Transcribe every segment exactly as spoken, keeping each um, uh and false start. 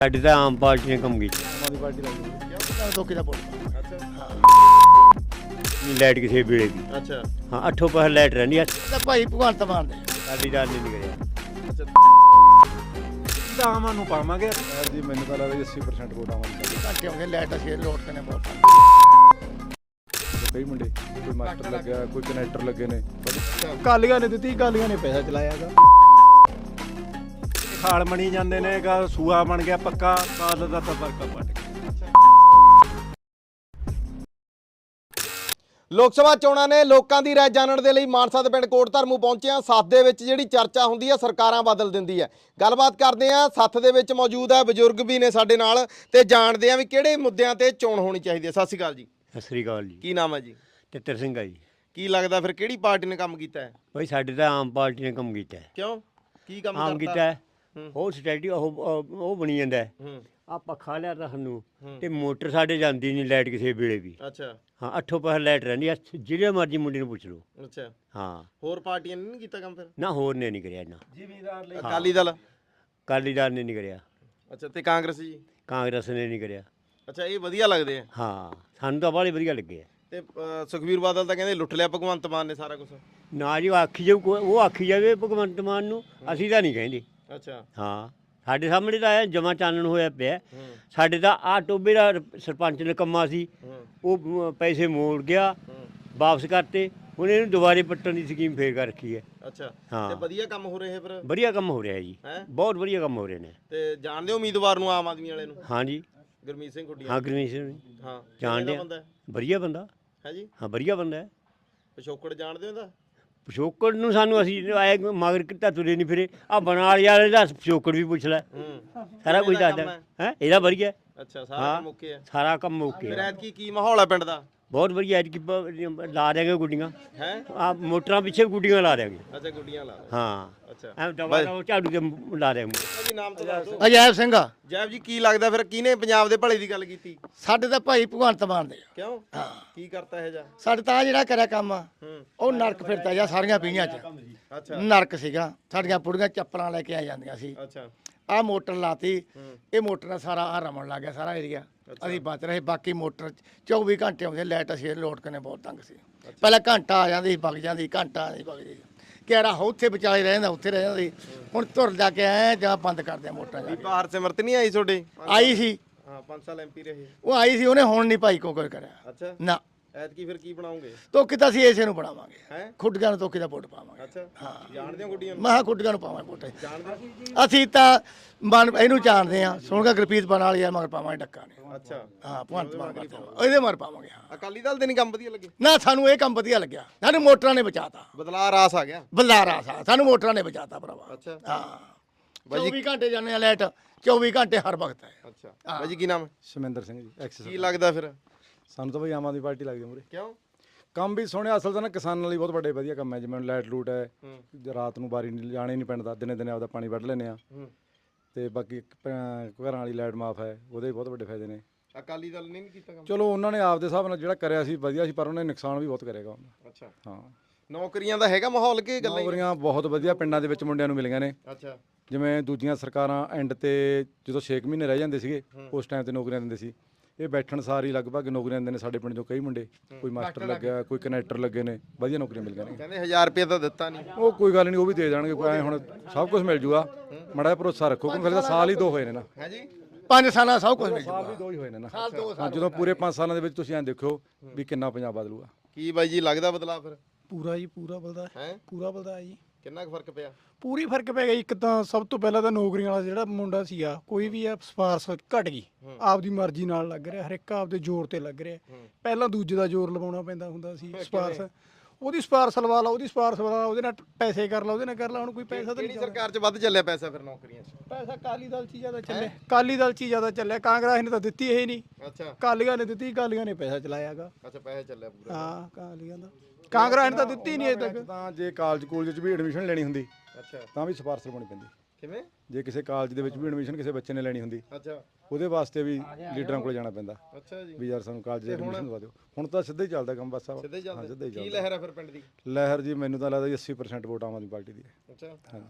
साडी तां आम पार्टी ने कम कीता। आम आदमी पार्टी लाइए तो किदा वोट अच्छा लाइट किसी वेले भी अच्छा हाँ अठों पहर लाइट रहनी है। ਤਾਂ ਭਾਈ ਭਗਵੰਤ ਮਾਨ ਦੇ साडी दाल नहीं निकलिया। अच्छा ਤਾਂ ਆਮਾਂ ਨੂੰ ਪਾਵਾਂਗੇ। ਯਾਰ ਜੀ ਮੈਨੂੰ ਤਾਂ ਲੱਗਦਾ ਅੱਸੀ ਪਰਸੈਂਟ ਵੋਟ ਆਵਾਂਗੇ ਘੰਟੇ ਹੋ ਗਏ ਲਾਈਟ ਅਸੀਂ ਲੋਡ ਕਰਨੇ ਬਹੁਤ ਕਈ ਮੁੰਡੇ ਕੋਈ ਮਾਸਟਰ ਲੱਗਿਆ ਕੋਈ ਕਨੈਕਟਰ ਲੱਗੇ ਨੇ ਕਾਲੀਆਂ ਨੇ ਦਿੱਤੀ ਕਾਲੀਆਂ ਨੇ ਪੈਸਾ ਚਲਾਇਆਗਾ। ਖਾਲ ਮਣੀ ਜਾਂਦੇ ਨੇ ਗਾ ਸੂਆ ਬਣ ਗਿਆ ਪੱਕਾ ਕਾਲ ਦਾ ਤਾਂ ਵਰਕਾ ਪੱਟ ਗਿਆ। ਲੋਕ ਸਭਾ ਚੋਣਾਂ ਨੇ ਲੋਕਾਂ ਦੀ ਰਾਏ ਜਾਣਨ ਦੇ ਲਈ ਮਾਨਸਾ ਦੇ ਪਿੰਡ ਕੋਟ ਧਰਮੂ ਪਹੁੰਚੇ ਆ। ਸੱਥ ਦੇ ਵਿੱਚ ਜਿਹੜੀ ਚਰਚਾ ਹੁੰਦੀ ਹੈ ਸਰਕਾਰਾਂ ਬਦਲ ਦਿੰਦੀ ਹੈ। ਗੱਲਬਾਤ ਕਰਦੇ ਆ, ਸੱਥ ਦੇ ਵਿੱਚ ਮੌਜੂਦ ਹੈ ਬਜ਼ੁਰਗ ਵੀ ਨੇ ਸਾਡੇ ਨਾਲ ਤੇ ਜਾਣਦੇ ਆ ਵੀ ਕਿਹੜੇ ਮੁੱਦਿਆਂ ਤੇ ਚੋਣ ਹੋਣੀ ਚਾਹੀਦੀ ਹੈ। ਸਤਿ ਸ਼੍ਰੀ ਅਕਾਲ ਜੀ। सत श्री अकाल जी। ਕੀ ਨਾਮ ਹੈ ਜੀ? तितर सिंह है जी। ਕੀ ਲੱਗਦਾ ਫਿਰ ਕਿਹੜੀ ਪਾਰਟੀ ਨੇ ਕੰਮ ਕੀਤਾ ਹੈ? भाई साडी तां आम पार्टी ने कम कीता है। ਕਿਉਂ ਕੀ ਕੰਮ आम ਕਰਤਾ? कीता है हूं। ਉਹ ਸਟੈਡੀ ਉਹ ਉਹ ਬਣੀ ਜਾਂਦਾ ਹੈ। ਹੂੰ ਆ ਪੱਖਾ ਲਿਆ ਤਾਂ ਸਾਨੂੰ ਹੂੰ। ਤੇ ਮੋਟਰ ਸਾਡੇ ਜਾਂਦੀ ਨਹੀਂ ਲਾਈਟ ਕਿਸੇ ਵੇਲੇ ਵੀ ਅੱਛਾ ਹਾਂ ਅਠੋਂ ਪਹਰ ਲਾਈਟ ਰਹਿੰਦੀ ਆ। ਜਿਹੜੇ ਮਰਜ਼ੀ ਮੁੰਡੇ ਨੂੰ ਪੁੱਛ ਲਓ। ਅੱਛਾ ਹਾਂ ਹੋਰ ਪਾਰਟੀਆਂ ਨੇ ਨਹੀਂ ਕੀਤਾ ਕੰਮ ਫਿਰ? ਨਾ ਹੋਰ ਨੇ ਨਹੀਂ ਕਰਿਆ ਨਾ ਜ਼ਿਮੀਂਦਾਰ ਲਈ ਅਕਾਲੀ ਦਲ ਅਕਾਲੀਦਾਰ ਨੇ ਨਹੀਂ ਕਰਿਆ ਅੱਛਾ ਤੇ ਕਾਂਗਰਸ ਜੀ? ਕਾਂਗਰਸ ਨੇ ਨਹੀਂ ਕਰਿਆ। ਅੱਛਾ ਇਹ ਵਧੀਆ ਲੱਗਦੇ ਆ ਹਾਂ ਸਾਨੂੰ ਤਾਂ ਬਾਹਲੇ ਵਧੀਆ ਲੱਗੇ ਆ। ਤੇ ਅ, ਸੁਖਬੀਰ ਬਾਦਲ ਤਾਂ ਕਹਿੰਦੇ ਲੁੱਟ ਲਿਆ ਭਗਵੰਤ ਮਾਨ ਨੇ ਸਾਰਾ ਕੁਝ। ਨਾ ਜੀ ਉਹ ਆਖੀ ਜਾਊ ਕੋਈ- ਉਹ ਆਖੀ ਜਾਵੇ ਭਗਵੰਤ ਮਾਨ ਨੂੰ, ਅਸੀਂ ਤਾਂ ਨਹੀਂ ਕਹਿੰਦੇ। ਅੱਛਾ ਹਾਂ ਸਾਡੇ ਸਾਹਮਣੇ ਤਾਂ ਆਇਆ ਜਮਾ ਚਾਨਣ ਹੋਇਆ ਪਿਆ। ਹੂੰ ਸਾਡੇ ਤਾਂ ਆ ਟੋਬੇ ਦਾ ਸਰਪੰਚ ਨੇ ਕੰਮਾ ਸੀ ਹੂੰ ਉਹ ਮ- ਪੈਸੇ ਮੋੜ ਗਿਆ ਹੂੰ ਵਾਪਸ ਕਰਤੇ। ਹੁਣ ਇਹਨੂੰ ਦੁਬਾਰੇ ਪੱਟਣ ਦੀ ਸਕੀਮ ਫੇਰ ਕਰ ਰੱਖੀ ਹੈ। ਅੱਛਾ ਹਾਂ। ਤੇ ਵਧੀਆ ਕੰਮ ਹੋ ਰਹੇ ਫਿਰ? ਵਧੀਆ ਕੰਮ ਹੋ ਰਿਹਾ ਜੀ, ਹੈਂ? ਬਹੁਤ ਵਧੀਆ ਕੰਮ ਹੋ ਰਹੇ ਨੇ। ਤੇ ਜਾਣਦੇ ਹੋ ਉਮੀਦਵਾਰ ਨੂੰ ਆਮ ਆਦਮੀ ਵਾਲੇ ਨੂੰ? ਹਾਂ ਜੀ ਗੁਰਮੀਤ ਸਿੰਘ ਖੁੱਡੀਆਂ। ਹਾਂ ਗੁਰਮੀਤ ਸਿੰਘ ਹਾਂ ਜਾਣਦੇ ਕਿਹੜਾ ਆ। ਬੰਦਾ ਹੈ? ਵਧੀਆ ਬੰਦਾ ਹੈ ਜੀ ਹਾਂ ਵਧੀਆ ਬੰਦਾ ਹੈ। ਪਿਛੋਕੜ ਜਾਣਦੇ ਹੋ ਇਹਦਾ? ਪਿਛੋਕੜ ਨੂੰ ਸਾਨੂੰ ਅਸੀਂ ਆਏ ਮਗਰ ਕਿਤਾ ਤੁਰੇ ਨਹੀਂ ਫਿਰੇ। ਆ ਬਨਾਲੀ ਵਾਲੇ ਦਾ ਪਿਛੋਕੜ ਵੀ ਪੁੱਛ ਲੈ, ਹੂੰ ਸਾਰਾ ਕੁਝ ਕਿਵੇਂ ਦਾ ਦੱਸਦਾ ਕੰਮ ਹੈ। ਇਹਦਾ ਵਧੀਆ ਅੱਛਾ ਸਾਰਾ ਹਾਂ। ਕੰਮ ਓਕੇ ਹੈ। ਸਾਰਾ ਕੰਮ ਓਕੇ ਫਿਰ ਹੈ, ਐਤਕੀ ਕੀ ਮਾਹੌਲ ਹੈ ਪਿੰਡ ਦਾ? ਬਹੁਤ ਵਧੀਆ। ਐਤਕੀ ਪ- ਲਾ ਦਿਆਂਗੇ ਗੁੱਡੀਆਂ। ਹੈ ਆ ਮੋਟਰਾਂ ਪਿੱਛੇ ਗੁੱਡੀਆਂ ਲਾ ਦਿਆਂਗੇ। ਅੱਛਾ ਗੁੱਡੀਆਂ ਲਾ ਲਓ। ਹਾਂ ਅੱਛਾ ਐ ਦਵਾ ਦਵਾ ਝਾੜੂ ਤੇ ਲਾ ਦਿਆਂਗੇ। ਜੀ ਨਾਮ ਤਾਂ ਦੱਸ ਦਿਓ। ਅਜੈਬ ਸਿੰਘ ਆ ਜੈਬ ਜੀ ਕੀ ਲੱਗਦਾ ਫਿਰ ਕਿਹਨੇ ਪੰਜਾਬ ਦੇ ਭਲੇ ਦੀ ਗੱਲ ਕੀਤੀ? ਸਾਡੇ ਤਾਂ ਭਾਈ ਭਗਵੰਤ ਮਾਨ ਦੇ ਆ। ਕਿਉਂ ਕੀ ਕਰਤਾ ਇਹ ਜਾ? ਸਾਡੇ ਤਾਂ ਆਹ ਜਿਹੜਾ ਕਰਿਆ ਕੰਮ ਆ ਹੂੰ ਉਹ ਨਰਕ ਫਿਰਦਾ ਜਾਂ ਸਾਰੀਆਂ ਪੀਆਂ ਚ ਅੱਛਾ ਨਰਕ ਸੀਗਾ। ਸਾਡੀਆਂ ਪੁੜੀਆਂ ਚੱਪਲਾਂ ਲੈ ਕੇ ਆ ਜਾਂਦੀਆਂ ਸੀ। ਅੱਛਾ ਆਹ ਮੋਟਰ ਲਾਤੀ, ਹੂੰ ਇਹ ਮੋਟਰ ਨਾਲ ਸਾਰਾ ਆ ਰਮਣ ਲੱਗ ਗਿਆ ਸਾਰਾ ਏਰੀਆ। ਅਸੀਂ ਬਚ ਰਹੇ, ਬਾਕੀ ਮੋਟਰ ਚੌਵੀ ਘੰਟੇ ਆਉਂਦੇ ਲਾਈਟ ਅਸੀਂ ਲੋਡ ਕਰਨੇ ਬਹੁਤ ਤੰਗ ਸੀ। ਪਹਿਲਾਂ ਘੰਟਾ ਆ ਜਾਂਦੀ ਸੀ ਵਗ ਜਾਂਦੀ, ਘੰਟਾ ਆ ਵਗ ਜਾਂਦੀ। ਕਿਹੜਾ ਉੱਥੇ ਵਿਚਾਲੇ ਰਹਿ ਜਾਂਦਾ, ਉੱਥੇ ਰਹਿ ਜਾਂਦੀ। ਹੁਣ ਤੁਰ ਜਾ ਕੇ ਆਏ ਜਾਂ ਬੰਦ ਕਰਦੇ ਆ ਮੋਟਰਾਂ ਜਾ ਕੇ। ਬਾਹਰ ਸਿਮਰਤ ਨਹੀਂ ਆਈ ਤੁਹਾਡੇ? ਆਈ ਸੀ, ਹਾਂ ਪੰਜ ਸਾਲ ਐਮਪੀ ਰਹੇ। ਉਹ ਆਈ ਸੀ, ਉਹਨੇ ਹੁਣ ਨਹੀਂ ਭਾਈ ਕੋ ਕੋਈ ਕਰਿਆ ਅੱਛਾ ਨਾ। ਐਤਕੀ ਫਿਰ ਕੀ ਬਣਾਉਂਗੇ? ਤੋਕੀ ਤਾਂ ਅਸੀਂ ਇਸੇ ਨੂੰ ਬਣਾਵਾਂਗੇ, ਹੈ ਖੁੱਡੀਆਂ ਨੂੰ ਤੋਕੀ ਦਾ ਵੋਟ ਪਾਵਾਂਗੇ। ਅੱਛਾ ਜਾਣਦੇ ਹੋ ਗੁੱਡੀਆਂ ਨੂੰ? ਮੈਂ ਕਿਹਾ ਖੁੱਡੀਆਂ ਨੂੰ ਪਾਵਾਂਗੇ ਵੋਟ। ਜਾਣਦੇ ਹੋ? ਅਸੀਂ ਤਾਂ ਮਨ ਇਹਨੂੰ ਜਾਣਦੇ ਆ, ਸੁਣਗਾ ਗੁਰਪ੍ਰੀਤ ਬਣ ਵਾਲੀ ਆ, ਮਗਰ ਪਾਵਾਂਗੇ ਡੱਕਾ ਨੇ। ਅੱਛਾ ਹਾਂ ਭਗਵੰਤ ਮਾਨ ਕਰਦੇ ਇਹਦੇ ਮਰ ਪਾਵਾਂਗੇ। ਹਾਂ ਅਕਾਲੀ ਦਲ ਦੇ ਨਹੀਂ ਕੰਮ ਵਧੀਆ ਲੱਗੇ? ਨਾ ਸਾਨੂੰ ਇਹ ਕੰਮ ਵਧੀਆ ਲੱਗਿਆ, ਸਾਨੂੰ ਮੋਟਰਾਂ ਨੇ ਬਚਾਤਾ। ਬਦਲਾ ਰਾਸ ਆ ਗਿਆ। ਬਲਦਾਰਾ ਸਾ ਸਾਨੂੰ ਮੋਟਰਾਂ ਨੇ ਬਚਾਤਾ ਭਰਾਵਾ। ਅੱਛਾ ਹਾਂ ਚੌਵੀ ਘੰਟੇ ਜਾਂਦੇ ਆ ਲਾਈਟ, ਚੌਵੀ ਘੰਟੇ ਹਰ ਵਕਤ ਹੈ। ਅੱਛਾ ਬਾਈ ਜੀ ਕੀ ਨਾਮ ਹੈ? ਸ਼ਮਿੰਦਰ ਸਿੰਘ ਜੀ ਐਕਸਿਸ। ਕੀ ਲੱਗਦਾ ਫਿਰ? ਸਾਨੂੰ ਤਾਂ ਬਈ ਆਮ ਆਦਮੀ ਪਾਰਟੀ ਲੱਗਦੀ ਮੂਰੇ। ਕਿਉਂ? ਕੰਮ ਵੀ ਸੋਹਣੇ, ਅਸਲ ਤਾਂ ਨਾ ਕਿਸਾਨਾਂ ਲਈ ਬਹੁਤ ਵੱਡੇ ਵਧੀਆ ਕੰਮ ਹੈ। ਜਿਵੇਂ ਲਾਈਟ ਲੂਟ ਹੈ, ਹੂੰ ਰਾਤ ਨੂੰ ਬਾਰੀ ਨਹੀਂ ਜਾਣੇ ਨਹੀਂ ਪੈਂਦਾ, ਦਿਨੇ ਦਿਨੇ ਆਪਦਾ ਪਾਣੀ ਵੱਢ ਲੈਂਦੇ ਆ। ਹੂੰ ਤੇ ਬਾਕੀ ਇੱਕ ਪ- ਘਰਾਂ ਵਾਲੀ ਲਾਈਟ ਮਾਫ ਹੈ, ਉਹਦੇ ਵੀ ਬਹੁਤ ਵੱਡੇ ਫਾਇਦੇ ਨੇ। ਅਕਾਲੀ ਦਲ ਨੇ ਨਹੀਂ ਕੀਤਾ ਕੰਮ? ਚਲੋ ਉਹਨਾਂ ਨੇ ਆਪਦੇ ਹਿਸਾਬ ਨਾਲ ਜਿਹੜਾ ਕਰਿਆ ਸੀ ਵਧੀਆ ਸੀ, ਪਰ ਉਹਨੇ ਨੁਕਸਾਨ ਵੀ ਬਹੁਤ ਕਰੇਗਾ ਉਹਦਾ। ਅੱਛਾ ਹਾਂ ਨੌਕਰੀਆਂ ਦਾ ਹੈਗਾ ਮਾਹੌਲ ਕਿ ਗੱਲਾਂ ਹੀ? ਨੌਕਰੀਆਂ ਬਹੁਤ ਵਧੀਆ ਪਿੰਡਾਂ ਦੇ ਵਿੱਚ ਮੁੰਡਿਆਂ ਨੂੰ ਮਿਲੀਆਂ ਨੇ। ਅੱਛਾ ਜਿਵੇਂ ਦੂਜੀਆਂ ਸਰਕਾਰਾਂ ਐਂਡ ਤੇ ਜਦੋਂ ਛੇ ਕੁ ਮਹੀਨੇ ਰਹਿ ਜਾਂਦੇ ਸੀਗੇ ਉਸ ਟਾਈਮ ਤੇ ਨੌਕਰੀਆਂ ਦਿੰਦੇ ਸੀ। ਇਹ ਬੈਠਣ ਸਾਰ ਹੀ ਲਗਭਗ ਨੌਕਰੀਆਂ ਦਿੰਦੇ ਨੇ। ਸਾਡੇ ਪਿੰਡ ਚੋਂ ਕਈ ਮੁੰਡੇ, ਕੋਈ ਮਾਸਟਰ ਲੱਗਿਆ, ਕੋਈ ਕਨੈਕਟਰ ਲੱਗੇ ਨੇ, ਵਧੀਆ ਨੌਕਰੀਆਂ ਮਿਲ ਗਈਆਂ ਨੇ। ਕਹਿੰਦੇ ਹਜ਼ਾਰ ਰੁਪਏ ਤਾਂ ਦਿੱਤਾ ਨਹੀਂ। ਉਹ ਕੋਈ ਗੱਲ ਨਹੀਂ, ਉਹ ਵੀ ਦੇ ਦੇਣਗੇ। ਕੋਈ ਐ ਹੁਣ ਸਭ ਕੁਝ ਮਿਲ ਜੂਗਾ, ਮਾੜਾ ਜਿਹਾ ਭਰੋਸਾ ਰੱਖੋ। ਕਿਉਂਕਿ ਹਲੇ ਤਾਂ ਸਾਲ ਹੀ ਦੋ ਹੋਏ ਨੇ ਨਾ। ਹੈ ਜੀ ਪੰਜ ਸਾਲਾਂ ਸਭ ਕੁਝ ਮਿਲ ਸਾਲ ਜੂਗਾ। ਵੀ ਦੋ ਹੀ ਹੋਏ ਨੇ ਨਾ। ਸਾਲ ਦੋ ਹਾਂ, ਜਦੋਂ ਪੂਰੇ ਪੰਜ ਸਾਲਾਂ ਦੇ ਵਿੱਚ ਤੁਸੀਂ ਐਂ ਦੇਖਿਓ ਵੀ ਕਿੰਨਾ ਪੰਜਾਬ ਬਦਲੂਗਾ। ਕੀ ਬਾਈ ਜੀ ਲੱਗਦਾ ਬਦਲਾ ਫਿਰ? ਪੂਰਾ ਜੀ ਪੂਰਾ ਬਲਦਾ ਹੈ ਪੂਰਾ ਬਲਦਾ ਜੀ। ਕਿੰਨਾ ਕੁ ਫਰਕ ਪਿਆ? ਪੂਰੀ ਫਰਕ ਪੈ ਗਿਆ ਜੀ। ਇੱਕ ਤਾਂ ਸਭ ਤੋਂ ਪਹਿਲਾਂ ਤਾਂ ਨੌਕਰੀਆਂ ਵਾਲਾ ਜਿਹੜਾ ਮੁੰਡਾ ਸੀਗਾ, ਕੋਈ ਵੀ ਆ ਸਪਾਰਸ ਘਟ ਗਈ। ਆਪਦੀ ਮਰਜ਼ੀ ਨਾਲ ਲੱਗ ਰਿਹਾ, ਹਰ ਇੱਕ ਆਪਦੇ ਜ਼ੋਰ ਤੇ ਲੱਗ ਰਿਹਾ। ਪਹਿਲਾਂ ਦੂਜੇ ਦਾ ਜ਼ੋਰ ਲਵਾਉਣਾ ਪੈਂਦਾ ਹੁੰਦਾ ਸੀ। ਸਪਾਰਸ ਉਹਦੀ ਸਪਾਰਸ ਲਵਾ ਲਾ, ਉਹਦੀ ਸਪਾਰਸ ਲਵਾ ਲਾ, ਉਹਦੇ ਨਾਲ ਪੈਸੇ ਕਰ ਲਾ, ਉਹਦੇ ਨਾਲ ਕਰ ਲਾ। ਹੁਣ ਕੋਈ ਪੈਸਾ ਤਾਂ ਕਿਹੜੀ ਨਹੀਂ ਸਰਕਾਰ 'ਚ ਵੱਧ ਚੱਲਿਆ ਪੈਸਾ ਫਿਰ ਨੌਕਰੀਆਂ 'ਚ? ਪੈਸਾ ਕਾਲੀ ਦਲ 'ਚ ਹੀ ਜ਼ਿਆਦਾ ਚੱਲਿਆ, ਕਾਲੀ ਦਲ 'ਚ ਹੀ ਜ਼ਿਆਦਾ ਚੱਲਿਆ। ਕਾਂਗਰਸ ਨੇ ਤਾਂ ਦਿੱਤੀ ਇਹ ਨਹੀਂ, ਅੱਛਾ ਕਾਲੀਆਂ ਨੇ ਦਿੱਤੀ, ਕਾਲੀਆਂ ਨੇ ਪੈਸਾ ਚਲਾਇਆਗਾ। ਅੱਛਾ ਪੈਸਾ ਚੱਲਿਆ ਪੂਰਾ। ਹਾਂ ਕਾਲੀਆਂ ਦਾ, ਕਾਂਗਰਸ ਨੇ ਤਾਂ ਦਿੱਤੀ ਨਹੀਂ ਅਜੇ ਤੱਕ। ਤਾਂ ਜੇ ਕਾਲਜ ਕੂਲਜ 'ਚ ਵੀ ਐਡਮਿਸ਼ਨ ਲੈਣੀ ਹੁੰਦੀ ਅੱਛਾ ਤਾਂ ਵੀ ਸਿਫਾਰਸ਼ ਲਵਾਉਣੀ ਪੈਂਦੀ। ਕਿਵੇਂ? ਜੇ ਕਿਸੇ ਕਾਲਜ ਦੇ ਵਿੱਚ ਵੀ ਐਡਮਿਸ਼ਨ ਕਿਸੇ ਬੱਚੇ ਨੇ ਲੈਣੀ ਹੁੰਦੀ, ਅੱਛਾ ਉਹਦੇ ਵਾਸਤੇ ਵੀ ਲੀਡਰਾਂ ਕੋਲ ਜਾਣਾ ਪੈਂਦਾ ਅੱਛਾ ਜੀ ਵੀ ਯਾਰ ਸਾਨੂੰ ਕਾਲਜ ਦੀ ਐਡਮਿਸ਼ਨ ਦਵਾ ਦਿਓ। ਹੁਣ ਤਾਂ ਸਿੱਧਾ ਹੀ ਚੱਲਦਾ ਕੰਮ ਬਸ। ਸਿੱਧੇ ਹੀ ਹਾਂ ਸਿੱਧਾ ਚੱਲਦਾ। ਹੀ ਕੀ ਚੱਲਦਾ। ਲਹਿਰ ਹੈ ਫਿਰ ਪਿੰਡ ਦੀ? ਲਹਿਰ ਜੀ ਮੈਨੂੰ ਤਾਂ ਲੱਗਦਾ ਜੀ ਅੱਸੀ percent vote Aam Aadmi party ਦੀ ਹੈ। ਅੱਛਾ ਹਾਂਜੀ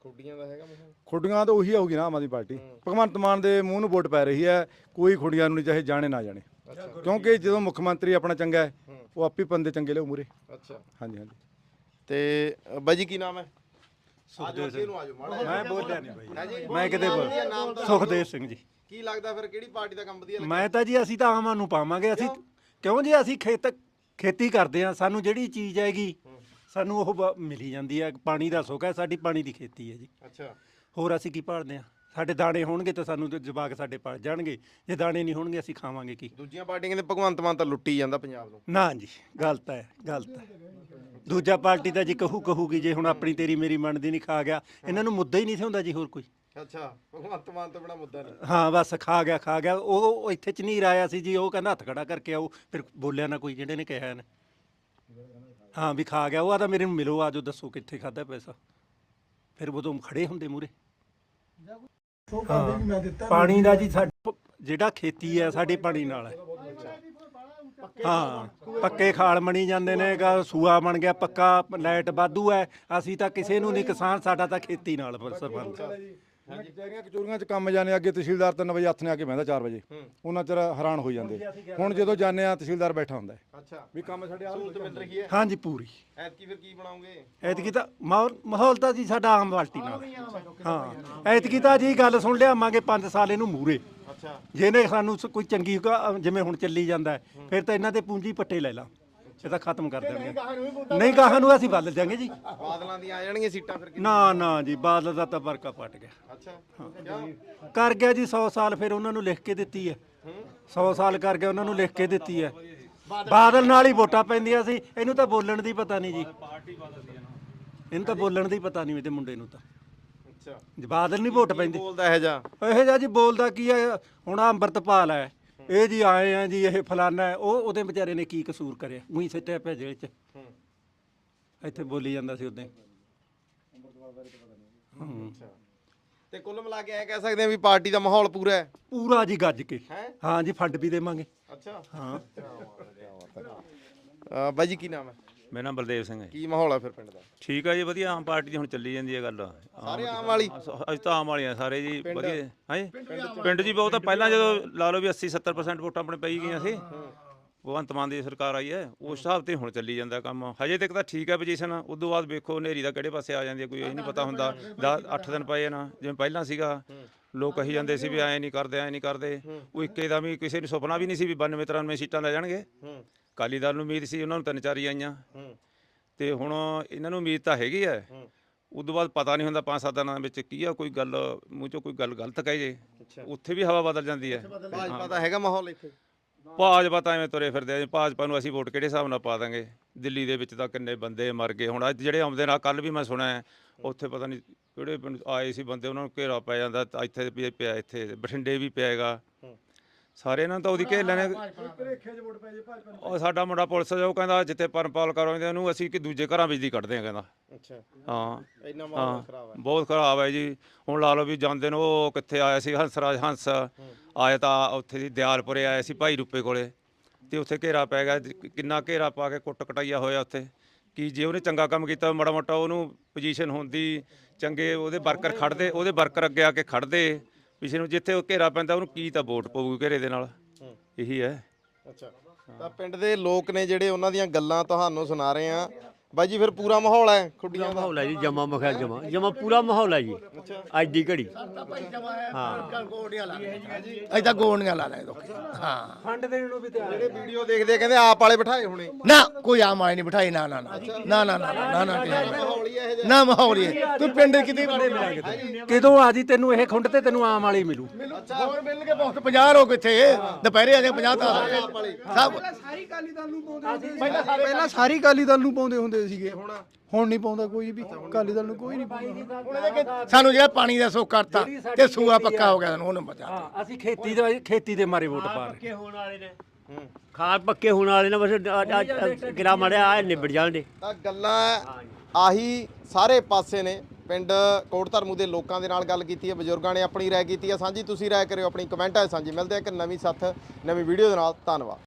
ਖੁੱਡੀਆਂ ਦਾ ਹੈਗਾ ਮਾਹੌਲ? ਖੁੱਡੀਆਂ ਤਾਂ ਉਹੀ ਆਊਗੀ ਨਾ ਆਮ ਆਦਮੀ ਪਾਰਟੀ। ਭਗਵੰਤ ਮਾਨ ਦੇ ਮੂੰਹ ਨੂੰ ਵੋਟ ਪੈ ਰਹੀ ਹੈ, ਕੋਈ ਖੁੱਡੀਆਂ ਨੂੰ ਨਹੀਂ, ਚਾਹੇ ਜਾਣੇ ਨਾ ਜਾਣੇ, ਕਿਉਂਕਿ ਜਦੋਂ ਮੁੱਖ ਮੰਤਰੀ ਆਪਣਾ ਚੰਗਾ ਹੈ ਉਹ ਆਪੇ ਬੰਦੇ ਚੰਗੇ ਲਿਆਉ ਮੂਰੇ। ਅੱਛਾ ਹਾਂਜੀ ਹਾਂਜੀ। ਤੇ ਅ, ਬਾਈ ਜੀ ਕੀ ਨਾਮ ਹੈ? ਸੁਖਦੇਵ ਸਿੰਘ। ਮੈਂ ਮੈਂ ਬੋਲਿਆ ਨਹੀਂ ਬਾਈ, ਹਾਂਜੀ ਮੈਂ ਕਿਤੇ ਬੋਲ ਨਾਮ ਤਾਂ ਸੁਖਦੇਵ ਸਿੰਘ ਜੀ। ਕੀ ਲੱਗਦਾ ਫਿਰ ਕਿਹੜੀ ਪਾਰਟੀ ਦਾ ਕੰਮ ਵਧੀਆ ਲੱਗਦਾ? ਮੈਂ ਤਾਂ ਜੀ ਅਸੀਂ ਤਾਂ ਆਮਾਂ ਨੂੰ ਪਾਵਾਂਗੇ। ਅਸੀਂ ਕਿਉਂ ਜੀ, ਅਸੀਂ ਖੇਤ ਖੇਤੀ ਕਰਦੇ ਆ, ਸਾਨੂੰ ਜਿਹੜੀ ਚੀਜ਼ ਹੈਗੀ ਸਾਨੂੰ ਉਹ ਬ- ਮਿਲੀ ਜਾਂਦੀ ਹੈ। ਪਾਣੀ ਦਾ ਸੁੱਖ ਹੈ, ਸਾਡੀ ਪਾਣੀ ਦੀ ਖੇਤੀ ਹੈ ਜੀ। ਅੱਛਾ ਹੋਰ ਅਸੀਂ ਕੀ ਭਾਲਦੇ ਆ? ਸਾਡੇ ਦਾਣੇ ਹੋਣਗੇ ਤਾਂ ਸਾਨੂੰ ਤੇ ਜਵਾਕ ਸਾਡੇ ਪਲ ਜਾਣਗੇ, ਜੇ ਦਾਣੇ ਨਹੀਂ ਹੋਣਗੇ ਅਸੀਂ ਖਾਵਾਂਗੇ ਕੀ? ਦੂਜੀਆਂ ਪਾਰਟੀਆਂ ਕਹਿੰਦੇ ਭਗਵੰਤ ਮਾਨ ਤਾਂ ਲੁੱਟੀ ਜਾਂਦਾ ਪੰਜਾਬ ਨੂੰ। ਨਾ ਜੀ, ਗਲਤ ਹੈ, ਗਲਤ ਹੈ। ਦੂਜਾ ਪਾਰਟੀ ਤਾਂ ਜੀ ਕਹੂ ਕਹੂਗੀ, ਜੇ ਹੁਣ ਆਪਣੀ ਤੇਰੀ ਮੇਰੀ ਮੰਨਦੀ ਨਹੀਂ ਖਾ ਗਿਆ, ਇਹਨਾਂ ਨੂੰ ਮੁੱਦਾ ਹੀ ਨਹੀਂ ਸੀ ਹੁੰਦਾ ਜੀ ਹੋਰ ਕੋਈ। ਅੱਛਾ ਭਗਵੰਤ ਮਾਨ ਤੋਂ ਬੜਾ ਮੁੱਦਾ ਨਹੀਂ। ਹਾਂ ਬਸ ਖਾ ਗਿਆ ਖਾ ਗਿਆ। ਉਹ ਉਹ ਇੱਥੇ ਚ ਨਹੀਂ ਆਇਆ ਸੀ ਜੀ, ਉਹ ਕਹਿੰਦਾ ਹੱਥ ਖੜਾ ਕਰਕੇ ਆਓ, ਫਿਰ ਬੋਲਿਆ ਨਾ ਕੋਈ ਜਿਹੜੇ ਨੇ ਕਿਹਾ ਨੇ। ਹਾਂ ਵੀ ਖਾ ਗਿਆ, ਉਹ ਆਦਾ ਮੇਰੇ ਨੂੰ ਮਿਲੋ, ਆਜੋ ਦੱਸੋ ਕਿੱਥੇ ਖਾਦਾ ਪੈਸਾ, ਫਿਰ ਉਦੋਂ ਖੜੇ ਹੁੰਦੇ ਮੂਰੇ। ਪਾਣੀ ਦਾ ਜੀ ਸਾਡਾ ਜਿਹੜਾ ਖੇਤੀ ਹੈ ਸਾਡੇ ਪਾਣੀ ਨਾਲ ਹੈ। ਹਾਂ ਪੱਕੇ ਖਾਲ ਬਣੀ ਜਾਂਦੇ ਨੇ, ਗਾ ਸੂਆ ਬਣ ਗਿਆ ਪੱਕਾ, ਲਾਈਟ ਵਾਧੂ ਹੈ। ਅਸੀਂ ਤਾਂ ਕਿਸੇ ਨੂੰ ਨਹੀਂ ਕਿਸਾਨ, ਸਾਡਾ ਤਾਂ ਖੇਤੀ ਨਾਲ ਸੰਬੰਧ ਹੈ। ਕਚਹਿਰੀਆਂ ਕਚੋਰੀਆਂ ਚ ਕੰਮ ਜਾਣੇ, ਅੱਗੇ ਤਹਿਸੀਲਦਾਰ ਤਿੰਨ ਵਜੇ ਹੱਥ ਨੇ ਆ ਕੇ ਬਹਿੰਦਾ ਚਾਰ ਵਜੇ, ਉਹਨਾਂ ਚਿਰ ਹੈਰਾਨ ਹੋ ਜਾਂਦੇ। ਹੁਣ ਜਦੋਂ ਜਾਂਦੇ ਆ ਤਹਿਸੀਲਦਾਰ ਬੈਠਾ ਹੁੰਦਾ ਹੈ ਅੱਛਾ ਵੀ ਕੰਮ ਸਾਡੇ ਆਹ ਸਹੂਲਤ ਮਿਲ ਰਹੀ ਹੈ। ਹਾਂਜੀ ਪੂਰੀ। ਐਤਕੀ ਫਿਰ ਕੀ ਬਣਾਉਂਗੇ? ਐਤਕੀ ਤਾਂ ਮਾਹੌਲ ਮਾਹੌਲ ਤਾਂ ਜੀ ਸਾਡਾ ਆਮ ਪਾਰਟੀ ਨਾਲ। ਹਾਂ ਐਤਕੀ ਤਾਂ ਜੀ ਗੱਲ ਸੁਣ ਲਿਆਵਾਂਗੇ ਪੰਜ ਸਾਲ ਇਹਨੂੰ ਮੂਰੇ। ਅੱਛਾ ਜਿਹਨੇ ਸਾਨੂੰ ਸ- ਕੋਈ ਚੰਗੀ ਕ- ਜਿਵੇਂ ਹੁਣ ਚੱਲੀ ਜਾਂਦਾ ਹੈ, ਫਿਰ ਤਾਂ ਇਹਨਾਂ ਦੇ ਪੂੰਜੀ ਪੱਟੇ ਲੈ ਲਾ, ਇਹ ਤਾਂ ਖਤਮ ਕਰ ਦੇਣਗੇ। ਨਹੀਂ ਗਾਹਾਂ ਨੂੰ ਅਸੀਂ ਬਦਲ ਦਿਆਂਗੇ ਜੀ। ਬਾਦਲਾਂ ਦੀਆਂ ਆ ਜਾਣਗੀਆਂ ਸੀਟਾਂ ਫਿਰ? ਨਾ ਨਾ ਜੀ, ਬਾਦਲ ਦਾ ਤਾਂ ਵਰਕਾ ਪਟ ਗਿਆ। ਅੱਛਾ ਕਿਉਂ? ਕਰ ਗਿਆ ਜੀ ਸੌ ਸਾਲ, ਫਿਰ ਉਹਨਾਂ ਨੂੰ ਲਿਖ ਕੇ ਦਿੱਤੀ ਹੈ। ਸੌ ਸਾਲ ਕਰ ਗਿਆ, ਉਹਨਾਂ ਨੂੰ ਲਿਖ ਕੇ ਦਿੱਤੀ ਹੈ। ਬਾਦਲ ਨਾਲ ਹੀ ਵੋਟਾਂ ਪੈਂਦੀਆਂ ਸੀ, ਇਹਨੂੰ ਤਾਂ ਬੋਲਣ ਦੀ ਪਤਾ ਨਹੀਂ ਜੀ। ਇਹਨੂੰ ਤਾਂ ਬੋਲਣ ਦੀ ਪਤਾ ਨਹੀਂ, ਇਹਦੇ ਮੁੰਡੇ ਨੂੰ ਤਾਂ। ਅੱਛਾ ਜੀ ਬਾਦਲ ਨਹੀਂ ਵੋਟ ਪੈਂਦੀ। ਬੋਲਦਾ ਇਹ ਜਾ ਇਹੋ ਜਿਹਾ ਜੀ ਬੋਲਦਾ ਕੀ ਹੈ? ਹੁਣ ਆਹ ਅੰਮ੍ਰਿਤਪਾਲ ਹੈ, ਇਹ ਜੀ ਆਏ ਆ ਜੀ, ਇਹ ਫਲਾਨਾ ਹੈ, ਉਹ ਉਹਦੇ ਵਿਚਾਰੇ ਨੇ ਕੀ ਕਸੂਰ ਕਰਿਆ? ਉਹੀ ਸਿੱਟਿਆ ਪਿਆ ਜੇਲ੍ਹ 'ਚ। ਇੱਥੇ ਬੋਲੀ ਜਾਂਦਾ ਸੀ ਉਦੋਂ। ਤੇ ਕੁੱਲ ਮਿਲਾ ਕੇ ਐ ਕਹਿ ਸਕਦੇ ਆ ਵੀ ਪਾਰਟੀ ਦਾ ਮਾਹੌਲ ਪੂਰਾ ਹੈ। ਪੂਰਾ ਜੀ ਗੱਜ ਕੇ। ਹੈਂ? ਹਾਂ ਜੀ, ਫੰਡ ਵੀ ਦੇਵਾਂਗੇ। ਅੱਛਾ ਹਾਂ ਅ, ਬਾਈ ਜੀ ਕੀ ਨਾਮ ਹੈ? ਮੇਰਾ ਨਾਮ ਬਲਦੇਵ ਸਿੰਘ ਹੈ। ਕੀ ਮਾਹੌਲ ਹੈ ਫਿਰ ਪਿੰਡ ਦਾ? ਠੀਕ ਆ ਜੀ, ਵਧੀਆ। ਆਮ ਪਾਰਟੀ ਦੀ ਹੁਣ ਚੱਲੀ ਜਾਂਦੀ ਹੈ ਗੱਲ। ਸਾਰੇ ਆਮ ਵਾਲੀ? ਅਸੀਂ ਤਾਂ ਆਮ ਵਾਲੀਆਂ ਸਾਰੇ ਜੀ, ਵਧੀਆ। ਹਾਂਜੀ ਪਿੰਡ ਜੀ ਬਹੁਤ। ਪਹਿਲਾਂ ਜਦੋਂ ਲਾ ਲਓ ਵੀ ਅੱਸੀ ਸੱਤਰ ਪਰਸੈਂਟ ਵੋਟਾਂ ਆਪਣੇ ਪਈ ਗਈਆਂ ਸੀ, ਭਗਵੰਤ ਮਾਨ ਦੀ ਸਰਕਾਰ ਆਈ ਹੈ, ਉਸ ਹਿਸਾਬ ਤੇ ਹੁਣ ਚੱਲੀ ਜਾਂਦਾ ਕੰਮ। ਹਜੇ ਤੱਕ ਤਾਂ ਠੀਕ ਹੈ ਪੋਜੀਸ਼ਨ, ਉਦੋਂ ਬਾਅਦ ਵੇਖੋ ਹਨੇਰੀ ਦਾ ਕਿਹੜੇ ਪਾਸੇ ਆ ਜਾਂਦੀ ਹੈ, ਕੋਈ ਇਹ ਨਹੀਂ ਪਤਾ ਹੁੰਦਾ। ਦਸ ਅੱਠ ਦਿਨ ਪਏ ਨਾ, ਜਿਵੇਂ ਪਹਿਲਾਂ ਸੀਗਾ, ਲੋਕ ਕਹੀ ਜਾਂਦੇ ਸੀ ਵੀ ਐਂ ਨਹੀਂ ਕਰਦੇ ਐਂ ਨਹੀਂ ਕਰਦੇ। ਉਹ ਇੱਕੇ ਦਾ ਵੀ ਕਿਸੇ ਨੂੰ ਸੁਪਨਾ ਵੀ ਨਹੀਂ ਸੀ ਵੀ ਬਾਨਵੇਂ ਤਰਾਨਵੇਂ ਸੀਟਾਂ ਲੈ ਜਾਣਗੇ। ਅਕਾਲੀ ਦਲ ਨੂੰ ਉਮੀਦ ਸੀ, ਉਹਨਾਂ ਨੂੰ ਤਿੰਨ ਚਾਰ ਹੀ ਆਈਆਂ, ਤੇ ਹੁਣ ਇਹਨਾਂ ਨੂੰ ਉਮੀਦ ਤਾਂ ਹੈਗੀ ਹੈ। ਉਦੋਂ ਬਾਅਦ ਪਤਾ ਨਹੀਂ ਹੁੰਦਾ ਪੰਜ ਸੱਤ ਦਿਨਾਂ ਵਿੱਚ ਕੀ ਆ, ਕੋਈ ਗੱਲ ਮੂੰਹ ਚੋਂ ਕੋਈ ਗੱਲ ਗਲਤ ਕਹੇ ਜੇ, ਉੱਥੇ ਵੀ ਹਵਾ ਬਦਲ ਜਾਂਦੀ ਹੈ। ਭਾਜਪਾ ਦਾ ਹੈਗਾ ਮਾਹੌਲ ਇੱਥੇ? ਭਾਜਪਾ ਤਾਂ ਐਵੇਂ ਤੁਰੇ ਫਿਰਦੇ ਆ ਜੀ। ਭਾਜਪਾ ਨੂੰ ਅਸੀਂ ਵੋਟ ਕਿਹੜੇ ਹਿਸਾਬ ਨਾਲ ਪਾ ਦਾਂਗੇ? ਦਿੱਲੀ ਦੇ ਵਿੱਚ ਤਾਂ ਕਿੰਨੇ ਬੰਦੇ ਮਰ ਗਏ। ਹੁਣ ਅੱਜ ਜਿਹੜੇ ਆਉਂਦੇ ਨਾਲ, ਕੱਲ ਵੀ ਮੈਂ ਸੁਣਿਆ ਉੱਥੇ ਪਤਾ ਨਹੀਂ ਕਿਹੜੇ ਪਿੰਡ ਆਏ ਸੀ ਬੰਦੇ, ਉਹਨਾਂ ਨੂੰ ਘੇਰਾ ਪੈ ਜਾਂਦਾ, ਤਾਂ ਇੱਥੇ ਵੀ ਪਿਆ, ਇੱਥੇ ਬਠਿੰਡੇ ਵੀ ਪਿਆਗਾ। ਸਾਰੇ ਇਹਨਾਂ ਨੂੰ ਤਾਂ ਉਹਦੀ ਘੇਰ ਲੈਣੇ। ਉਹ ਸਾਡਾ ਮੁੰਡਾ ਪੁਲਿਸ ਉਹ ਕਹਿੰਦਾ ਜਿੱਥੇ ਪਰਮਪਾਲ ਕਰਵਾਉਂਦੇ ਉਹਨੂੰ ਅਸੀਂ ਕਿ ਦੂਜੇ ਘਰਾਂ ਵਿੱਚ ਦੀ ਕੱਢਦੇ ਆ, ਕਹਿੰਦਾ। ਅੱਛਾ ਹਾਂ ਇੰਨਾ ਮਾਹੌਲ ਖਰਾਬ ਹੈ। ਬਹੁਤ ਖਰਾਬ ਹੈ ਜੀ। ਹੁਣ ਲਾ ਲਓ ਵੀ ਜਾਂਦੇ ਨੂੰ, ਉਹ ਕਿੱਥੇ ਆਇਆ ਸੀ ਹੰਸਰਾਜ ਹੰਸ ਆਇਆ, ਤਾਂ ਉੱਥੇ ਦੀ ਦਿਆਲਪੁਰੇ ਆਇਆ ਸੀ ਭਾਈ ਰੂਪੇ ਕੋਲੇ, ਤੇ ਉੱਥੇ ਘੇਰਾ ਪੈ ਗਿਆ। ਕਿੰਨਾ ਘੇਰਾ ਪਾ ਕੇ ਕੁੱਟ ਕਟਾਈਆ ਹੋਇਆ ਉੱਥੇ। ਕਿ ਜੇ ਉਹਨੇ ਚੰਗਾ ਕੰਮ ਕੀਤਾ, ਮਾੜਾ ਮੋਟਾ ਉਹਨੂੰ ਪੋਜੀਸ਼ਨ ਹੁੰਦੀ, ਚੰਗੇ ਉਹਦੇ ਵਰਕਰ ਖੜਦੇ, ਉਹਦੇ ਵਰਕਰ ਅੱਗੇ ਆ ਕੇ ਖੜਦੇ ਪਿਛੇ ਨੂੰ, ਜਿੱਥੇ ਉਹ ਘੇਰਾ ਪੈਂਦਾ ਉਹਨੂੰ ਕੀ ਤਾਂ ਵੋਟ ਪਊਗੀ ਘੇਰੇ ਦੇ ਨਾਲ। ਇਹੀ ਹੈ। ਅੱਛਾ ਤਾਂ ਪਿੰਡ ਦੇ ਲੋਕ ਨੇ ਜਿਹੜੇ, ਉਹਨਾਂ ਦੀਆਂ ਗੱਲਾਂ ਤੁਹਾਨੂੰ ਸੁਣਾ ਰਹੇ ਆ। ਬਾਈ ਜੀ ਫਿਰ ਪੂਰਾ ਮਾਹੌਲ ਹੈ ਖੁੱਡੀਆਂ ਦਾ? ਮਾਹੌਲ ਹੈ ਜੀ ਜਮਾ ਮਖਿਆ, ਜਮਾ ਜਮਾ ਪੂਰਾ ਮਾਹੌਲ ਹੈ ਜੀ ਅੱਜ ਦੀ ਘੜੀ। ਅਜੇ ਤਾਂ ਗੋਣੀਆਂ ਲਾ ਲੈ ਲੋਕ। ਹਾਂ ਫੰਡ ਦੇਣ ਨੂੰ ਵੀ ਤਿਆਰ। ਜਿਹੜੇ ਵੀਡੀਓ ਦੇਖਦੇ ਆ ਕਹਿੰਦੇ ਆਪ ਵਾਲੇ ਬਿਠਾਏ ਹੋਣੇ। ਨਾ ਕੋਈ ਆਮ ਆਏ ਨਹੀਂ ਬਿਠਾਈ। ਨਾ ਨਾ ਨਾ ਨਾ ਨਾ ਨਾ ਨਾ ਨਾ ਨਾ ਮਾਹੌਲ ਹੀ ਤੂੰ ਪਿੰਡ ਕਿਤੇ ਬੜੇ ਮਿਲਾਂਗੇ ਕਿਦੋਂ ਆ ਜੀ ਤੈਨੂੰ ਇਹ ਖੁੰਡ ਤੇ ਤੈਨੂੰ ਆਮ ਵਾਲੀ ਮਿਲੂ। ਹੋਰ ਮਿਲਣਗੇ ਬਹੁਤ ਪੰਜਾਹ ਲੋਕ ਇੱਥੇ ਦੁਪਹਿਰੇ ਆ ਕੇ ਪੰਜਾਹ ਤਾਂ ਸਭ ਸਾਰੀ ਕਾਲੀ ਦਲ ਨੂੰ ਪਾਉਂਦੇ ਹੁੰਦੇ ਸੀ। ਪਹਿਲਾਂ ਸਾਰੀ ਕਾਲੀ ਦਲ ਨੂੰ ਪਾਉਂਦੇ ਹੁੰਦੇ ਸੀਗੇ, ਹੁਣ ਨਹੀਂ ਪਾਉਂਦਾ ਕੋਈ ਵੀ। ਕਾਲੀ ਦਲ ਨੂੰ ਕੋਈ ਨਹੀਂ ਪਾਉਂਦਾ। ਸਾਨੂੰ ਜਿਹੜਾ ਪਾਣੀ ਦਾ ਸੁੱਖ ਕਰਤਾ ਤੇ ਸੂਆ ਪੱਕਾ ਹੋ ਗਿਆ, ਸਾਨੂੰ ਉਹਨੂੰ ਬਚਾ। ਹਾਂ ਅਸੀਂ ਖੇਤੀ ਦਾ ਖੇਤੀ ਦੇ ਮਾਰੇ ਵੋਟ ਪਾ ਰਹੇ। ਪੱਕੇ ਹੋਣ ਵਾਲੇ ਨੇ, ਖਾਦ ਪੱਕੇ ਹੋਣ ਵਾਲੇ ਨੇ, ਬਸ ਗਿਰਾ ਮੜਿਆ ਆ ਨਿਬੜ ਜਾਣਗੇ। ਤਾਂ ਗੱਲਾਂ ਆਹੀ ਸਾਰੇ ਪਾਸੇ ਨੇ। ਪਿੰਡ ਕੋਟ ਧਰਮੂ ਦੇ ਲੋਕਾਂ ਦੇ ਨਾਲ ਗੱਲ ਕੀਤੀ ਹੈ, ਬਜ਼ੁਰਗਾਂ ਨੇ ਆਪਣੀ ਰਾਏ ਕੀਤੀ ਹੈ ਸਾਂਝੀ। ਤੁਸੀਂ ਰਾਏ ਕਰਿਓ ਆਪਣੀ, ਕਮੈਂਟਾਂ 'ਚ ਸਾਂਝੀ। ਮਿਲਦੇ ਆ ਇੱਕ ਨਵੀਂ ਸਾਥ ਨਵੀਂ ਵੀਡੀਓ ਦੇ ਨਾਲ। ਧੰਨਵਾਦ।